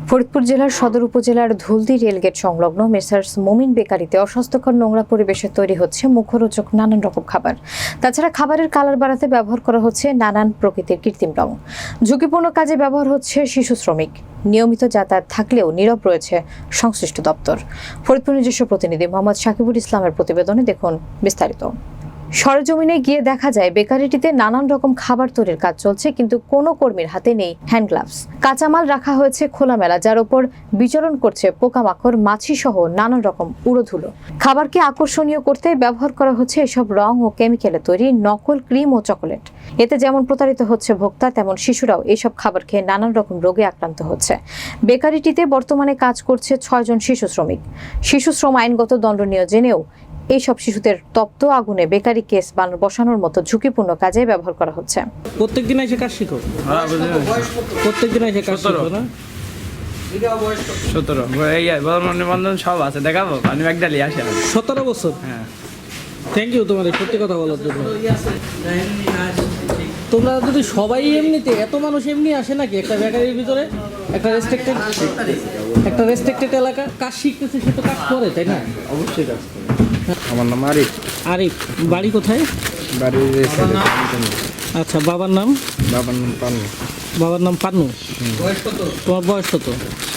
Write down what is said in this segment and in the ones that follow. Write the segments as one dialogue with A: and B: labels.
A: ফরিদপুর জেলার সদর উপজেলার ধুলদি রেলগেট সংলগ্ন মেসার্স মোমিন বেকারিতে অস্বাস্থ্যকর নোংরা পরিবেশে তৈরি হচ্ছে মুখরোচক নানান রকম খাবার। তাছাড়া খাবারের কালার বাড়াতে ব্যবহার করা হচ্ছে নানান প্রকৃতির কৃত্রিম রং। ঝুঁকিপূর্ণ কাজে ব্যবহার হচ্ছে শিশু শ্রমিক। নিয়মিত যাতায়াত থাকলেও নীরব রয়েছে সংশ্লিষ্ট দপ্তর। ফরিদপুর নিজস্ব প্রতিনিধি মোহাম্মদ সাকিবুল ইসলামের প্রতিবেদনে দেখুন বিস্তারিত। সরেজমিনে গিয়ে দেখা যায় বেকারিটিতে নানান রকম খাবার তৈরির কাজ চলছে, কিন্তু কোনো কর্মীর হাতে নেই হ্যান্ড গ্লাভস। কাঁচামাল রাখা হয়েছে খোলামেলা, যার উপর বিচরণ করছে পোকামাকড়, মাছি সহ নানান রকম উড়োধুলো। খাবারকে আকর্ষণীয় করতে ব্যবহার করা হচ্ছে এসব রং ও কেমিক্যালে তৈরি নকল ক্রিম ও চকোলেট। এতে যেমন প্রতারিত হচ্ছে ভোক্তা, তেমন শিশুরাও এইসব খাবার খেয়ে নানান রকম রোগে আক্রান্ত হচ্ছে। বেকারিটিতে বর্তমানে কাজ করছে 6 জন শিশু শ্রমিক। শিশু শ্রম আইনগত দণ্ডনীয় জেনেও এইসব শিশুদের তপ্ত আগুনে বেকারি কেস বসানোর মতো ঝুঁকিপূর্ণ কাজে ব্যবহার করা হচ্ছে।
B: প্রত্যেকদিন এসে কাজ শিখো? প্রত্যেকদিন এসে কাজ শিখো না?
C: 17 সব আছে, দেখাবো। আমি একদালি আসে
B: 17 বছর। হ্যাঁ, থ্যাংক ইউ তোমাদের সত্যি কথা বলার জন্য। তোমরা যদি সবাই এমনিতে, এত মানুষ এমনি আসে নাকি একটা বেকারির ভিতরে? একটা রেস্ট্রিক্টেড এলাকা, কাজ শিখতেছে, সে তো কাজ করে, তাই না?
C: অবশ্যই কাজ করে। আমার নাম আরিফ।
B: আরিফ, বাড়ি কোথায়?
C: বাড়ি।
B: আচ্ছা, বাবার নাম?
C: পান্নু।
B: বাবার নাম পান্নু। তোমার বয়স কত?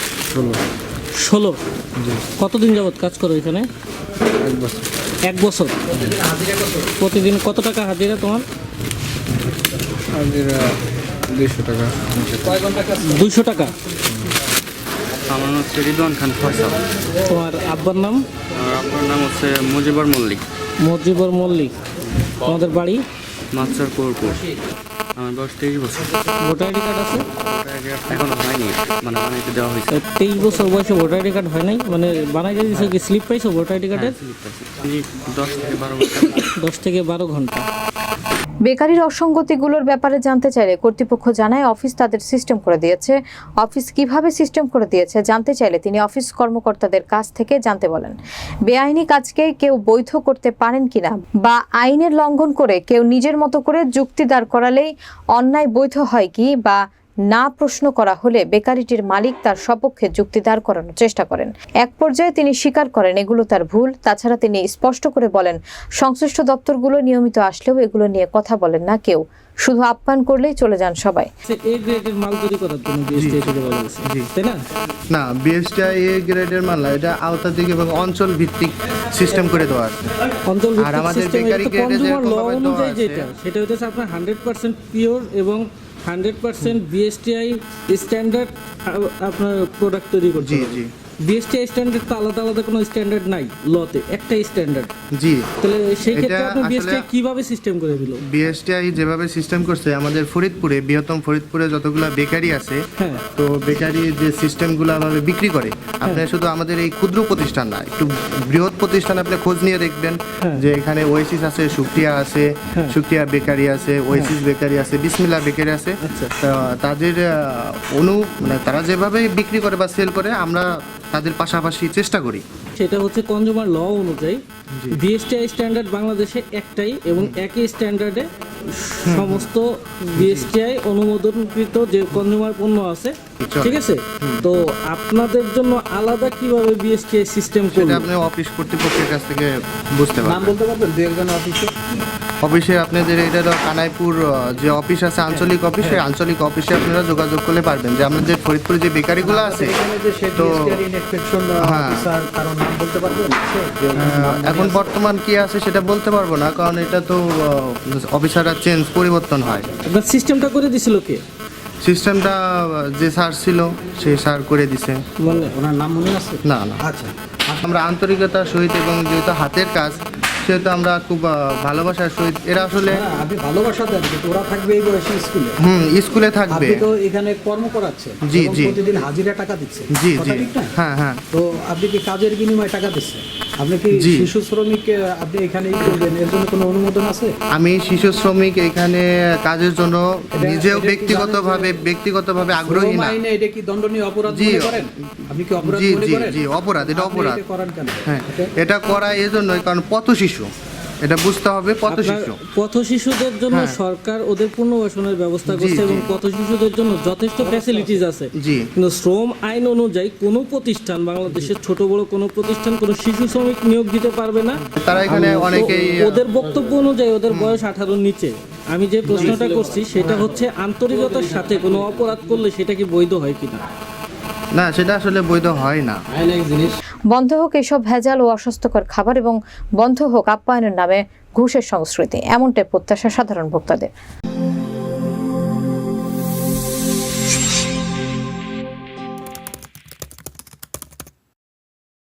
B: 16। কতদিন যাবত কাজ করো এখানে?
C: 1 বছর।
B: 1 বছর। প্রতিদিন কত টাকা হাজিরা তোমার?
C: হাজিরা 200 টাকা।
B: 200 টাকা।
D: আমার নাম হচ্ছে রিদওয়ান খান ফয়সাল।
B: তোমার আব্বার নাম?
D: আপনার নাম হচ্ছে মুজিবুর মল্লিক।
B: মুজিবুর মল্লিক। তোমাদের বাড়ি?
D: মাছারপুর। আমার বয়স 23 বছর।
B: ভোটার আইডি কার্ড আছে?
D: এখনো হয়নি, মানে বানাইতে দেওয়া হয়েছে।
B: 23 বছর বয়সে ভোটার আইডি কার্ড হয় নাই? মানে বানাইতে দিয়েছো কি? স্লিপ পাইছো ভোটার আইডি কার্ডের?
D: 10 থেকে 12 ঘন্টা।
B: 10 থেকে 12 ঘন্টা।
A: বেকারির অসঙ্গতিগুলোর ব্যাপারে জানতে চাইলে কর্তৃপক্ষ জানায় অফিস তাদের সিস্টেম করে দিয়েছে। অফিস কিভাবে সিস্টেম করে দিয়েছে জানতে চাইলে তিনি অফিস কর্মকর্তাদের কাছ থেকে জানতে বলেন। বেআইনি কাজকে কেউ বৈধ করতে পারেন কিনা বা আইনের লঙ্ঘন করে কেউ নিজের মতো করে যুক্তি দাঁড় করালেই অন্যায় বৈধ হয় কি বা না প্রশ্ন করা হলে বেকারিটির মালিক তার সপক্ষে যুক্তি দাঁড় করানোর চেষ্টা করেন। এক পর্যায়ে তিনি স্বীকার করেন এগুলো তার ভুল। তাছাড়া তিনি স্পষ্ট করে বলেন সংশ্লিষ্ট দপ্তরগুলো নিয়মিত আসলেও এগুলো নিয়ে কথা বলেন না কেউ, শুধু আপ্যায়ন করলেই চলে যান সবাই।
B: এ গ্রেডের মাল তৈরি করার জন্য বিএসটিআই থেকে বলা হয়েছে, তাই না?
E: না, বিএসটিআই এ গ্রেডের মাল না, এটা আওতাধিক এবং অঞ্চল ভিত্তিক সিস্টেম করে দেওয়া আছে।
B: অঞ্চল
E: আর আমাদের বেকারি গ্রেডে যে
B: অনুযায়ী সেটা হচ্ছে আপনার 100% পিওর এবং 100% বিএসটিআই স্ট্যান্ডার্ড আপনার প্রোডাক্ট তৈরি করছে।
E: জি।
B: বিএসটিআই স্ট্যান্ডার্ড তো আলাদা কোনো স্ট্যান্ডার্ড নাই লতে, একটাই স্ট্যান্ডার্ড।
E: জি।
B: তাহলে সেই ক্ষেত্রে আপনি বিএসটিআই কিভাবে সিস্টেম করে দিল?
E: বিএসটিআই যেভাবে সিস্টেম করছে, আমাদের ফরিদপুরে, বৃহত্তম ফরিদপুরে যতগুলো বেকারি আছে, তো বেকারি যে সিস্টেমগুলো ভাবে বিক্রি করে, আপনি শুধু আমাদের এই ক্ষুদ্র প্রতিষ্ঠান না, একটু বৃহৎ প্রতিষ্ঠান আপনি খোঁজ নিয়ে দেখবেন যে এখানে ওয়েসিস আছে, সুক্রিয়া আছে, সুক্রিয়া বেকারি আছে, ওয়েসিস বেকারি আছে, বিসমিল্লা বেকারি আছে। তাদের মানে তারা যেভাবে বিক্রি করে বা সেল করে, আমরা তাদের পাশাপাশি চেষ্টা করি।
B: সেটা হচ্ছে কনজিউমার ল অনুযায়ী বিএসটিআই স্ট্যান্ডার্ড বাংলাদেশে একটাই এবং একই স্ট্যান্ডার্ডে সমস্ত বিএসটিআই অনুমোদনকৃত যে কনজিউমার পণ্য আছে, ঠিক আছে? তো আপনাদের জন্য আলাদা কিভাবে বিএসটিআই সিস্টেম করবে
E: আপনি অফিস কর্তৃপক্ষের কাছ থেকে বুঝতে পারবেন।
B: নাম বলতে পারবেন দু একজন
E: অফিসে আপনাদের এটা কানাইপুর যে অফিস আছে, আঞ্চলিক অফিস, সেই আঞ্চলিক অফিসে আপনারা যোগাযোগ করলে পারবেন যে আমাদের ফরিদপুরে যে বেকারিগুলো আছে। তো এখন বর্তমান কি আছে সেটা বলতে পারবো না, কারণ এটা তো অফিসাররা পরিবর্তন হয়।
B: সিস্টেমটা করে দিছিল কে?
E: সিস্টেমটা যে স্যার ছিল সেই স্যার করে দিছে।
B: মানে ওনার নাম মনে আছে?
E: না। আচ্ছা, আমরা আন্তরিকতার সহিত এবং যেহেতু হাতের কাজ, সেহেতু আমরা খুব ভালোবাসার সহিত, এরা আসলে
F: আপনি ভালোবাসা দেন, ওরা থাকবে এই বয়সে স্কুলে।
E: স্কুলে থাকবে।
F: আপনি তো এখানে কর্ম করাচ্ছেন,
E: জি।
F: প্রতিদিন হাজিরা টাকা দিচ্ছেন।
E: জি। হ্যাঁ।
F: তো আপনি কি কাজের বিনিময়ে টাকা দিচ্ছেন? আপনি কি শিশু শ্রমিক আপনি এখানেই করবেন, এর জন্য কোনো অনুমোদন আছে?
E: আমি শিশু শ্রমিক এখানে কাজের জন্য নিজেও ব্যক্তিগতভাবে আগ্রহী না।
F: এটা কি দণ্ডনীয় অপরাধ মনে করেন? আপনি কি অপরাধ মনে করেন?
E: জি, অপরাধ। এটা অপরাধ।
F: করেন কেন?
E: হ্যাঁ, এটা করা এই জন্যই কারণ পথ শিশু এটা বুঝতে হবে পথ
B: আপনার
E: শিশু।
B: পথ শিশুদের জন্য
E: হ্যাঁ।
B: সরকার ওদের পুনর্বাসনের ব্যবস্থা
E: জি,
B: করছে
E: জি।
B: এবং পথ শিশুদের জন্য যথেষ্ট ফ্যাসিলিটিস আছে।
E: জি।
B: কিন্তু শ্রম আইন অনুযায়ী কোনো প্রতিষ্ঠান, বাংলাদেশের ছোট বড় কোনো প্রতিষ্ঠান কোনো শিশু শ্রমিক নিয়োগ দিতে পারবে না।
E: তারা এখানে অনেকেই
B: ওদের বক্তব্য অনুযায়ী ওদের বয়স 18-র নিচে। আমি যে প্রশ্নটা করছি সেটা হচ্ছে আন্তরিকতার সাথে কোনো অপরাধ করলে সেটা কি বৈধ হয় কিনা?
E: না, সেটা আসলে বৈধ হয় না।
A: বন্ধ হোক এসব ভেজাল ও অস্বাস্থ্যকর খাবার এবং বন্ধ হোক আপ্যায়নের নামে ঘুষের সংস্কৃতি, এমনটাই প্রত্যাশা সাধারণ ভোক্তাদের।